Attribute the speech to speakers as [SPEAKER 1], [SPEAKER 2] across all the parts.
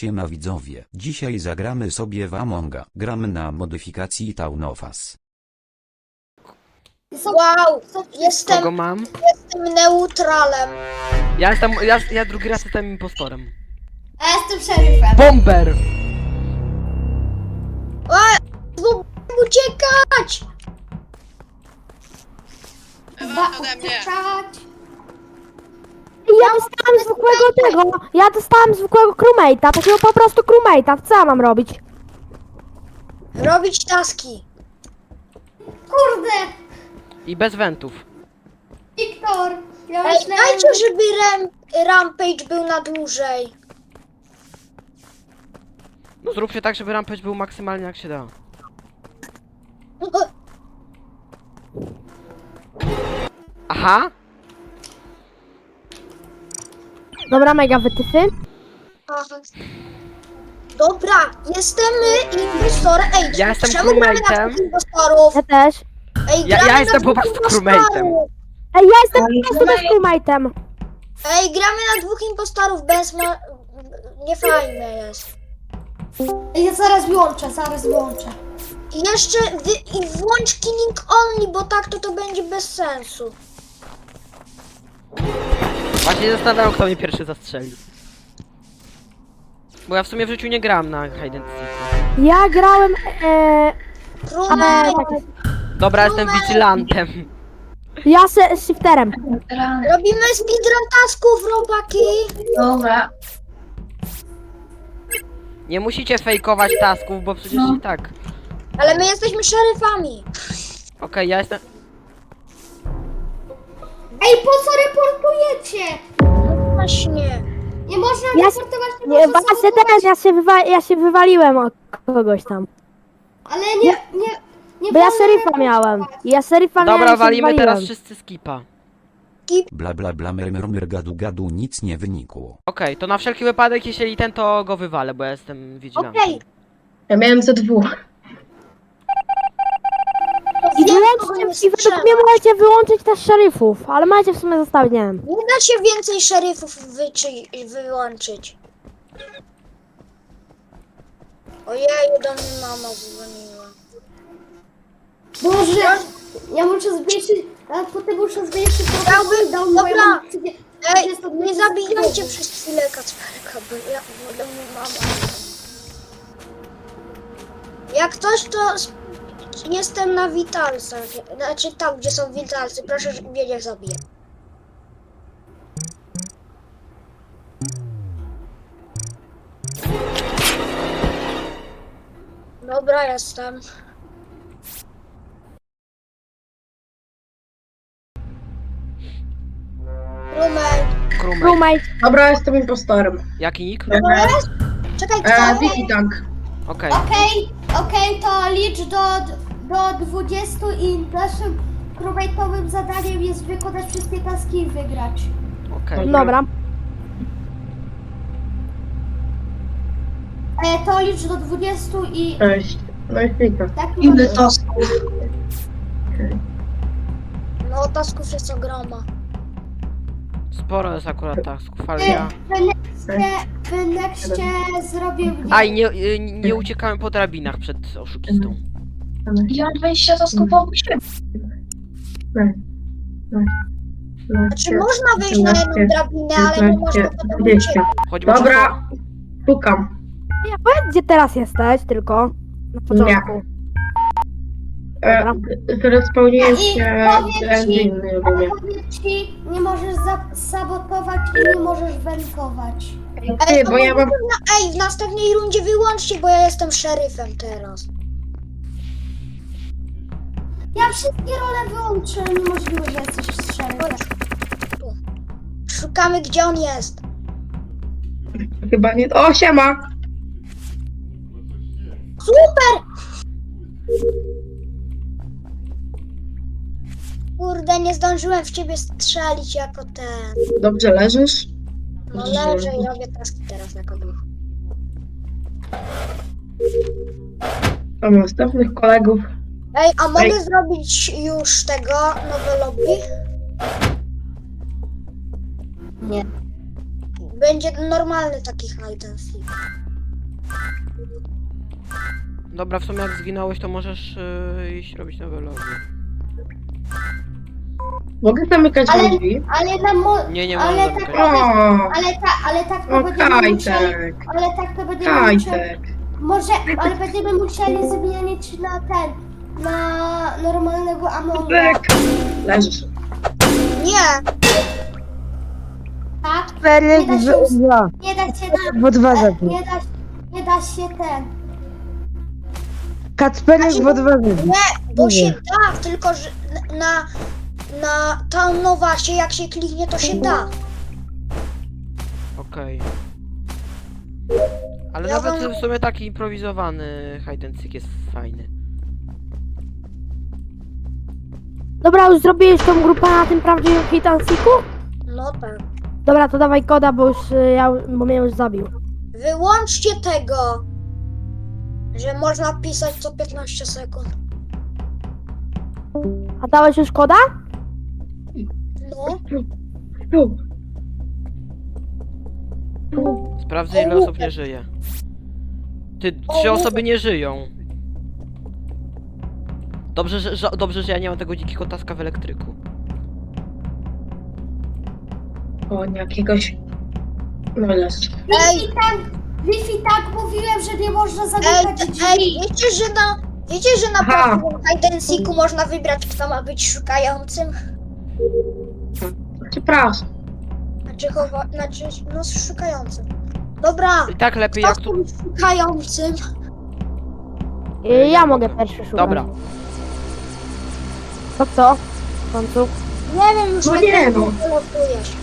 [SPEAKER 1] Siema widzowie, dzisiaj zagramy sobie w Amonga. Gramy na modyfikacji Town of Us.
[SPEAKER 2] Wow,
[SPEAKER 3] Kogo
[SPEAKER 2] jestem
[SPEAKER 3] mam?
[SPEAKER 2] neutralem.
[SPEAKER 3] Ja drugi raz jestem impostorem.
[SPEAKER 4] A ja jestem szeryfem.
[SPEAKER 3] Bomber!
[SPEAKER 2] Uciekać!
[SPEAKER 4] Ode mnie.
[SPEAKER 5] Ja dostałem zwykłego tego, ja dostałem zwykłego crewmate'a, takiego po prostu crewmate'a, co ja mam robić?
[SPEAKER 2] Robić taski.
[SPEAKER 4] Kurde,
[SPEAKER 3] I bez wentów.
[SPEAKER 4] Wiktor. Ja
[SPEAKER 2] Ej,
[SPEAKER 4] myślałem,
[SPEAKER 2] dajcie, żeby Rampage był na dłużej.
[SPEAKER 3] No zróbcie tak, żeby rampage był maksymalnie jak się da. Aha!
[SPEAKER 5] Dobra, mega wytyfy.
[SPEAKER 2] Aha. Dobra, jestem impostorem. Ej,
[SPEAKER 3] Ja jestem
[SPEAKER 2] czemu gramy na
[SPEAKER 3] crewmate'em.
[SPEAKER 2] dwóch impostorów?
[SPEAKER 5] Ja też.
[SPEAKER 2] Ej,
[SPEAKER 3] Ja
[SPEAKER 2] gramy
[SPEAKER 3] jestem
[SPEAKER 2] na
[SPEAKER 3] po
[SPEAKER 2] dwóch
[SPEAKER 3] prostu
[SPEAKER 2] impostorów.
[SPEAKER 3] crewmate'em.
[SPEAKER 5] Ej, ja jestem po prostu też crewmate'em.
[SPEAKER 2] Ej, gramy na dwóch impostorów bez niefajne jest.
[SPEAKER 4] ja zaraz wyłączę.
[SPEAKER 2] I jeszcze i włącz killing only, bo tak to będzie bez sensu.
[SPEAKER 3] Właśnie zastanawiam, kto mnie pierwszy zastrzeli. Bo ja w sumie w życiu nie grałem na hide and seeku.
[SPEAKER 5] Ja grałem,
[SPEAKER 2] Krumel,
[SPEAKER 3] Dobra, jestem vigilantem.
[SPEAKER 5] ja shifterem.
[SPEAKER 2] robimy speedrun tasków, robaki.
[SPEAKER 4] Dobra.
[SPEAKER 3] Nie musicie fejkować tasków, bo przecież i tak.
[SPEAKER 2] Ale my jesteśmy szeryfami.
[SPEAKER 3] Okej, ja jestem...
[SPEAKER 4] Ej, po co reportujecie?
[SPEAKER 2] No właśnie.
[SPEAKER 4] Nie można
[SPEAKER 5] Ja,
[SPEAKER 4] reportować,
[SPEAKER 5] nie,
[SPEAKER 4] można
[SPEAKER 5] właśnie
[SPEAKER 4] sabotować.
[SPEAKER 5] teraz ja się wywaliłem od kogoś tam.
[SPEAKER 4] Ale nie
[SPEAKER 5] Bo ja
[SPEAKER 4] wolno
[SPEAKER 5] szeryfa miałem. Ja szeryfa miałem i
[SPEAKER 3] Dobra,
[SPEAKER 5] się
[SPEAKER 3] walimy teraz
[SPEAKER 5] wywaliłem.
[SPEAKER 3] wszyscy skipa.
[SPEAKER 1] Bla bla bla mr gadu gadu nic nie wynikło.
[SPEAKER 3] Okej, to na wszelki wypadek, jeśli ten, to go wywalę, bo ja jestem vigilantem.
[SPEAKER 2] Okej.
[SPEAKER 6] Ja miałem ze dwóch.
[SPEAKER 5] I wyłączcie, i według mnie możecie wyłączyć też szeryfów, ale macie w sumie zostawić, nie wiem.
[SPEAKER 2] Nie da się więcej szeryfów wyłączyć. Ojej, do mnie mama dzwoniła.
[SPEAKER 4] Boże, ja muszę zmniejszyć, a potem muszę zmniejszyć
[SPEAKER 2] Chciałbym-
[SPEAKER 4] dał
[SPEAKER 2] dobra.
[SPEAKER 4] moją
[SPEAKER 2] Ej, nie zabijajcie przez chwilę Kacperka, bo do mnie mama. Jak coś, to jestem na witalcach. Znaczy tam, gdzie są witalcy. Proszę, żeby mnie nie zabije. Dobra, jestem. Rumej.
[SPEAKER 3] Crewmate.
[SPEAKER 5] Crewmate.
[SPEAKER 6] Dobra, jestem impostorem.
[SPEAKER 3] Jaki nick?
[SPEAKER 2] Czekaj, kto?
[SPEAKER 6] Wiki Tank.
[SPEAKER 3] Okej.
[SPEAKER 4] Okej, to licz do 20 i naszym crewmate'owym zadaniem jest wykonać wszystkie taski i wygrać.
[SPEAKER 3] Okej.
[SPEAKER 5] Dobra.
[SPEAKER 4] To licz do 20 i
[SPEAKER 6] Cześć. No i Wika.
[SPEAKER 4] tak
[SPEAKER 6] Ile
[SPEAKER 4] to?
[SPEAKER 6] tasków?
[SPEAKER 2] No, tasków jest ogroma.
[SPEAKER 3] Sporo jest akurat tasków, ale ja...
[SPEAKER 4] W nexcie zrobię
[SPEAKER 3] Aj, nie uciekałem po drabinach przed oszukistą.
[SPEAKER 6] Ja mam
[SPEAKER 7] 20 tasków po
[SPEAKER 2] Znaczy, można wyjść na jedną drabinę, ale nie można potem uciekać.
[SPEAKER 3] Choćby
[SPEAKER 6] Dobra, pukam.
[SPEAKER 5] Powiedz, gdzie teraz jesteś, tylko. Na początku.
[SPEAKER 6] Zrespełniłem
[SPEAKER 4] I
[SPEAKER 6] się
[SPEAKER 4] powiem
[SPEAKER 6] w
[SPEAKER 4] ci,
[SPEAKER 6] engine, rozumiem.
[SPEAKER 4] powiem ci, nie możesz sabotować i nie możesz wentować.
[SPEAKER 6] Ty, bo ja mam...
[SPEAKER 2] Ej, w następnej rundzie wyłączcie, bo ja jestem szeryfem teraz.
[SPEAKER 4] Ja wszystkie role wyłączę, niemożliwe, że jesteś szeryfem.
[SPEAKER 2] Tu. Szukamy, gdzie on jest.
[SPEAKER 6] Chyba nie... O, siema!
[SPEAKER 2] Super! Kurde, nie zdążyłem w ciebie strzelić jako ten.
[SPEAKER 6] Dobrze leżysz?
[SPEAKER 2] No leżę i robię taski teraz jako duch.
[SPEAKER 6] Mam następnych kolegów.
[SPEAKER 2] Ej, a mogę
[SPEAKER 6] Ej.
[SPEAKER 2] zrobić już tego nowe lobby?
[SPEAKER 4] Nie.
[SPEAKER 2] Będzie normalny taki hide and seek.
[SPEAKER 3] Dobra, w sumie jak zginąłeś, to możesz iść robić nowe lobby.
[SPEAKER 6] Mogę zamykać
[SPEAKER 4] Ale-
[SPEAKER 6] drzwi?
[SPEAKER 4] Ale na mo...
[SPEAKER 3] Nie
[SPEAKER 4] ale
[SPEAKER 3] możesz
[SPEAKER 4] tak,
[SPEAKER 3] zamykać.
[SPEAKER 4] ale tak to
[SPEAKER 6] O,
[SPEAKER 4] będziemy musieli...
[SPEAKER 6] Kajtek.
[SPEAKER 4] Ale tak to będziemy musieli...
[SPEAKER 6] Kajtek.
[SPEAKER 4] Może, ale będziemy musieli zmienić na ten... Na normalnego Amonga.
[SPEAKER 6] Kajtek. Leżysz.
[SPEAKER 2] Nie,
[SPEAKER 4] Tak?
[SPEAKER 5] Cztery,
[SPEAKER 4] Nie da się,
[SPEAKER 5] dwa.
[SPEAKER 4] nie da się na...
[SPEAKER 5] Bo dwa
[SPEAKER 4] nie da się ten...
[SPEAKER 5] Kacperek, bo dwa
[SPEAKER 2] bo się da, tylko że na Town Novasie jak się kliknie, to się da.
[SPEAKER 3] Okej. Ale
[SPEAKER 2] Ja
[SPEAKER 3] nawet
[SPEAKER 2] wam-
[SPEAKER 3] w sumie taki improwizowany hide and seek jest fajny.
[SPEAKER 5] Dobra, już zrobiłeś tą grupę na tym prawdziwym hit and seeku?
[SPEAKER 2] No tak.
[SPEAKER 5] Dobra, to dawaj koda, bo już bo mnie już zabił.
[SPEAKER 2] Wyłączcie tego, że można pisać co 15 sekund.
[SPEAKER 5] A dałeś już koda?
[SPEAKER 2] No,
[SPEAKER 6] Tu.
[SPEAKER 3] Sprawdzę ile osób nie żyje. Ty, 3 osoby nie żyją. Dobrze, że ja nie mam tego dzikiego taska w elektryku.
[SPEAKER 6] O, jakiegoś... No leż.
[SPEAKER 4] Wi-Fi tak mówiłem, że nie można zamykać drzwi.
[SPEAKER 2] wiecie, że na
[SPEAKER 6] Aha.
[SPEAKER 2] prawdziwym hide and seeku można wybrać, kto ma być szukającym?
[SPEAKER 6] Przepraszam.
[SPEAKER 2] No szukającym. Dobra,
[SPEAKER 3] I tak lepiej
[SPEAKER 2] kto
[SPEAKER 3] jak
[SPEAKER 2] chce
[SPEAKER 3] tu...
[SPEAKER 2] być szukającym?
[SPEAKER 5] Ja mogę pierwszy szukać.
[SPEAKER 3] Dobra.
[SPEAKER 5] To co? W końcu?
[SPEAKER 2] Nie wiem, już
[SPEAKER 6] No
[SPEAKER 2] jak
[SPEAKER 6] nie, no.
[SPEAKER 2] losujesz.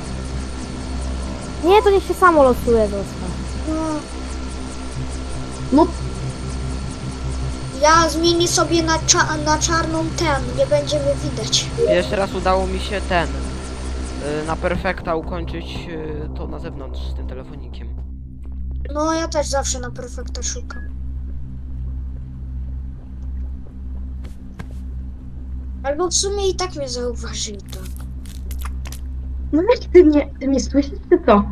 [SPEAKER 5] Nie, to niech się samo losuje zostaw.
[SPEAKER 2] No.
[SPEAKER 6] No.
[SPEAKER 2] Ja zmienię sobie na czarną nie będziemy widać.
[SPEAKER 3] Jeszcze raz udało mi się na perfekta ukończyć to na zewnątrz z tym telefonikiem.
[SPEAKER 2] No ja też zawsze na perfekta szukam. Albo w sumie i tak mnie zauważyli to.
[SPEAKER 6] No weź, ty mnie słyszysz, czy co?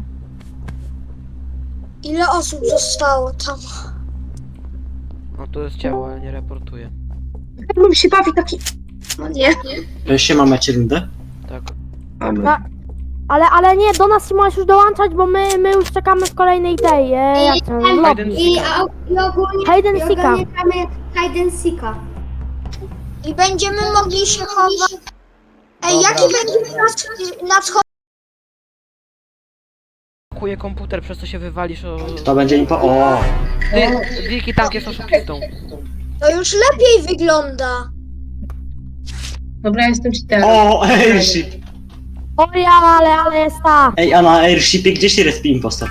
[SPEAKER 2] Ile osób zostało tam?
[SPEAKER 3] No to jest ciało, ale nie reportuję.
[SPEAKER 6] Jak bym się bawi taki... No nie.
[SPEAKER 7] Siema, macie rundę?
[SPEAKER 3] Tak.
[SPEAKER 6] Mamy.
[SPEAKER 5] No. Ale nie, do nas się możesz już dołączać, bo my już czekamy w kolejnej tej, jak to,
[SPEAKER 3] Hide and
[SPEAKER 5] lobby.
[SPEAKER 4] I ogólnie...
[SPEAKER 5] Hide and seeka.
[SPEAKER 4] I ogólnie gramy Hide and seeka.
[SPEAKER 2] I będziemy mogli się chować. Ej,
[SPEAKER 3] Dobra.
[SPEAKER 2] jaki będzie na wschodzie?
[SPEAKER 3] Blokuje komputer, przez co się wywalisz o...
[SPEAKER 7] To będzie impo... O!
[SPEAKER 3] Wilki Tank jest oszukistą.
[SPEAKER 2] To już lepiej wygląda.
[SPEAKER 6] Dobra, jestem cheaterem.
[SPEAKER 7] O, airship!
[SPEAKER 5] O ja, ale jest ta.
[SPEAKER 7] Ej, a na airshipie gdzie się respi impostor?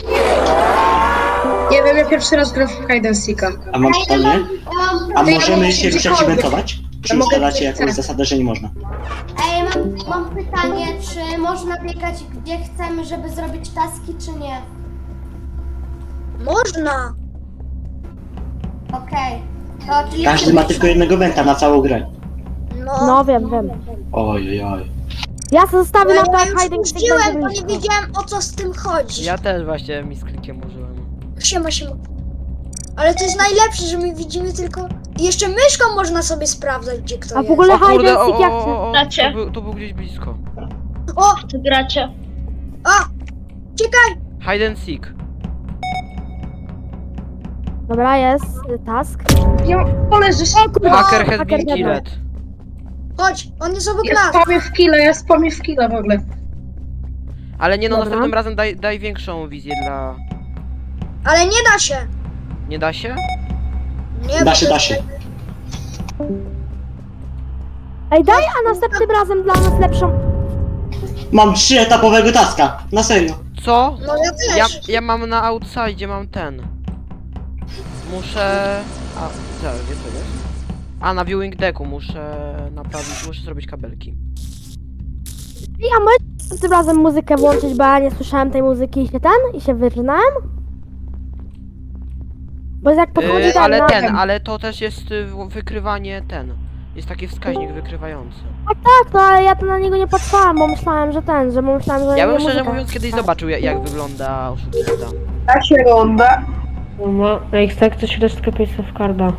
[SPEAKER 6] Nie wiem, ja pierwszy raz gram w Hide and Seeka.
[SPEAKER 7] A mam pytanie? A możemy się
[SPEAKER 6] gdziekolwiek.
[SPEAKER 7] przeeventować? Czy
[SPEAKER 6] Ja mogę
[SPEAKER 7] ustalacie
[SPEAKER 6] gdzie
[SPEAKER 7] jakąś
[SPEAKER 6] chcę.
[SPEAKER 7] zasadę, że nie można?
[SPEAKER 4] Ej, mam pytanie, czy można biegać gdzie chcemy, żeby zrobić taski, czy nie?
[SPEAKER 2] Można.
[SPEAKER 4] Okej. To czyli...
[SPEAKER 7] Każdy ma tylko jednego wenta na całą grę.
[SPEAKER 5] No wiem.
[SPEAKER 7] Oj, oj.
[SPEAKER 5] Ja zostawię na
[SPEAKER 2] Ja
[SPEAKER 5] tak
[SPEAKER 2] już
[SPEAKER 5] hide and seek
[SPEAKER 2] puściłem,
[SPEAKER 5] będzie
[SPEAKER 2] bo nie
[SPEAKER 5] blisko.
[SPEAKER 2] wiedziałem o co z tym chodzi.
[SPEAKER 3] Ja też właśnie mi z klikiem użyłem.
[SPEAKER 2] Siema. Ale to jest najlepsze, że my widzimy tylko... I jeszcze myszką można sobie sprawdzać, gdzie kto
[SPEAKER 5] A w
[SPEAKER 2] jest.
[SPEAKER 5] ogóle
[SPEAKER 3] O
[SPEAKER 5] hide
[SPEAKER 3] kurde,
[SPEAKER 5] and seek jak
[SPEAKER 8] Gracie?
[SPEAKER 3] to był gdzieś blisko.
[SPEAKER 2] O!
[SPEAKER 8] Gracie.
[SPEAKER 2] O! Czekaj!
[SPEAKER 3] Hide and seek.
[SPEAKER 5] Dobra, jest task.
[SPEAKER 6] Ja poleżysz.
[SPEAKER 3] Hacker has been
[SPEAKER 5] hacker
[SPEAKER 3] killed.
[SPEAKER 2] Chodź, on jest obok
[SPEAKER 6] Ja
[SPEAKER 2] nas.
[SPEAKER 6] spamię w killa w ogóle.
[SPEAKER 3] Ale nie no,
[SPEAKER 5] Dobra.
[SPEAKER 3] następnym razem daj większą wizję dla...
[SPEAKER 2] Ale nie da się.
[SPEAKER 3] Nie da się?
[SPEAKER 2] Nie,
[SPEAKER 7] Da się.
[SPEAKER 5] Ej, daj, a następnym razem dla nas lepszą.
[SPEAKER 7] Mam 3-etapowego taska. Na serio.
[SPEAKER 3] Co?
[SPEAKER 2] No ja też.
[SPEAKER 3] Ja mam na outside, mam ten. Muszę... A, zaraz, gdzie to jest? A, na viewing decku muszę naprawić, muszę zrobić kabelki.
[SPEAKER 5] Ja mogę tym razem muzykę włączyć, bo ja nie słyszałem tej muzyki i się wyrżnąłem? Bo jak podchodzi ten
[SPEAKER 3] Ale
[SPEAKER 5] na...
[SPEAKER 3] ale to też jest wykrywanie Jest taki wskaźnik wykrywający.
[SPEAKER 5] Tak, no ale ja to na niego nie patrzyłam, bo myślałem, że
[SPEAKER 3] Ja bym
[SPEAKER 5] nie
[SPEAKER 3] szczerze
[SPEAKER 5] muzyka.
[SPEAKER 3] mówiąc kiedyś zobaczył jak wygląda oszukista.
[SPEAKER 6] Da się runda.
[SPEAKER 8] No, jak chce ktoś resztkę Pace of Carda.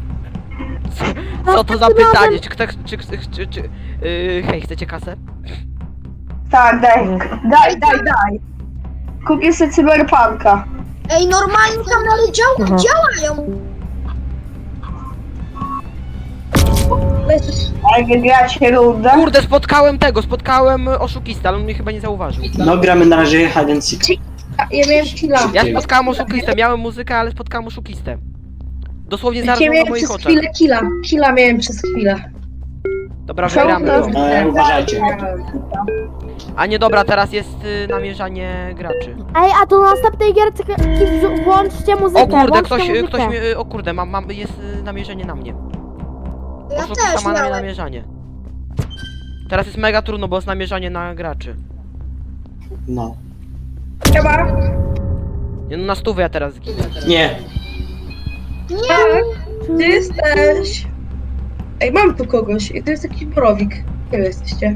[SPEAKER 3] Co to za pytanie? Czy ktoś... hej, chcecie kasę?
[SPEAKER 6] Tak, daj. Kupię sobie cyberpunka.
[SPEAKER 2] Ej, normalnie kanale
[SPEAKER 8] Aha.
[SPEAKER 2] działają.
[SPEAKER 6] A wygracie rundę?
[SPEAKER 3] Kurde, spotkałem oszukistę, ale on mnie chyba nie zauważył.
[SPEAKER 7] No gramy na razie hide and seek.
[SPEAKER 6] Ja miałem killa.
[SPEAKER 3] Ja spotkałem oszukistę, miałem muzykę, ale spotkałem oszukistę. Dosłownie zaraz
[SPEAKER 6] Ja
[SPEAKER 3] na
[SPEAKER 6] miałem
[SPEAKER 3] moich
[SPEAKER 6] przez
[SPEAKER 3] oczach.
[SPEAKER 6] chwilę killa. Killa miałem przez chwilę.
[SPEAKER 3] Dobra, wygramy to.
[SPEAKER 7] Uważajcie.
[SPEAKER 3] A nie, dobra, teraz jest namierzanie graczy.
[SPEAKER 5] Ej, a to na następnej gierce włączcie muzykę.
[SPEAKER 3] O kurde,
[SPEAKER 5] włączcie
[SPEAKER 3] ktoś
[SPEAKER 5] muzykę.
[SPEAKER 3] mnie... O kurde, jest namierzenie na mnie.
[SPEAKER 2] Ja
[SPEAKER 3] Oszukista
[SPEAKER 2] też
[SPEAKER 3] ma na mnie
[SPEAKER 2] miałem.
[SPEAKER 3] namierzanie. Teraz jest mega trudno, bo jest namierzanie na graczy.
[SPEAKER 7] No.
[SPEAKER 6] Chyba.
[SPEAKER 3] Nie, no na 100 ja teraz zginę.
[SPEAKER 7] Nie.
[SPEAKER 6] Tak. Ty jesteś. Ej, mam tu kogoś. I to jest jakiś borowik. Gdzie wy jesteście?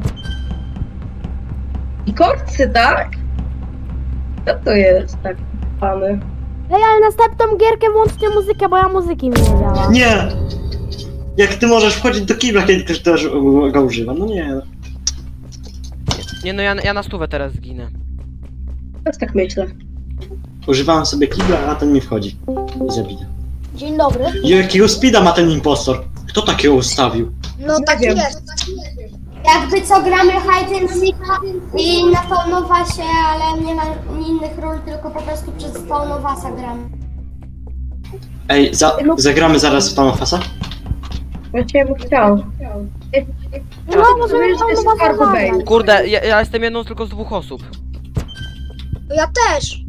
[SPEAKER 6] I korcy, tak? Co to jest tak, pany?
[SPEAKER 5] Ej, ale następną gierkę włączcie muzykę, bo ja muzyki mi nie działa.
[SPEAKER 7] Nie! Jak ty możesz wchodzić do kibla, kiedy ktoś też go używa? No nie.
[SPEAKER 3] Nie, no ja na 100 teraz zginę.
[SPEAKER 6] Też tak myślę.
[SPEAKER 7] Używałem sobie kibla, a ten mi wchodzi. I zabija.
[SPEAKER 2] Dzień dobry.
[SPEAKER 7] Jakiego speeda ma ten impostor? Kto takiego ustawił?
[SPEAKER 2] No
[SPEAKER 6] Nie
[SPEAKER 2] tak
[SPEAKER 6] wiem.
[SPEAKER 2] jest.
[SPEAKER 4] Jakby co gramy hide and seek i na Faunowasie, ale nie ma innych ról, tylko po prostu przez Faunowasa gramy.
[SPEAKER 7] Ej, zagramy zaraz w Tanofasa?
[SPEAKER 6] Właściwie bym chciał.
[SPEAKER 5] No, możemy
[SPEAKER 6] jest
[SPEAKER 5] tam was
[SPEAKER 6] Cargo Bay.
[SPEAKER 5] zagrać.
[SPEAKER 3] Kurde, ja jestem jedną tylko z 2 osób.
[SPEAKER 2] Ja też.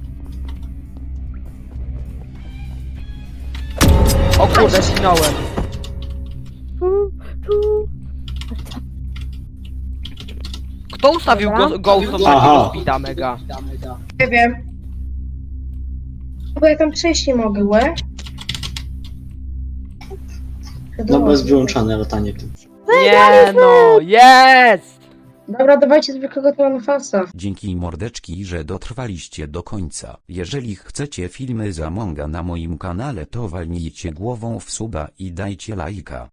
[SPEAKER 3] O kurde, zginąłem. Kto ustawił Ghost od
[SPEAKER 7] Aha.
[SPEAKER 3] takiego speeda mega?
[SPEAKER 6] Nie wiem. Bo ja tam przejść nie mogę, łe?
[SPEAKER 7] No bo jest wyłączone latanie.
[SPEAKER 3] Nie no, jest!
[SPEAKER 6] Dobra, dawajcie zwykłego Tanofasa.
[SPEAKER 1] Dzięki mordeczki, że dotrwaliście do końca. Jeżeli chcecie filmy z Amonga na moim kanale, to walnijcie głową w suba i dajcie lajka.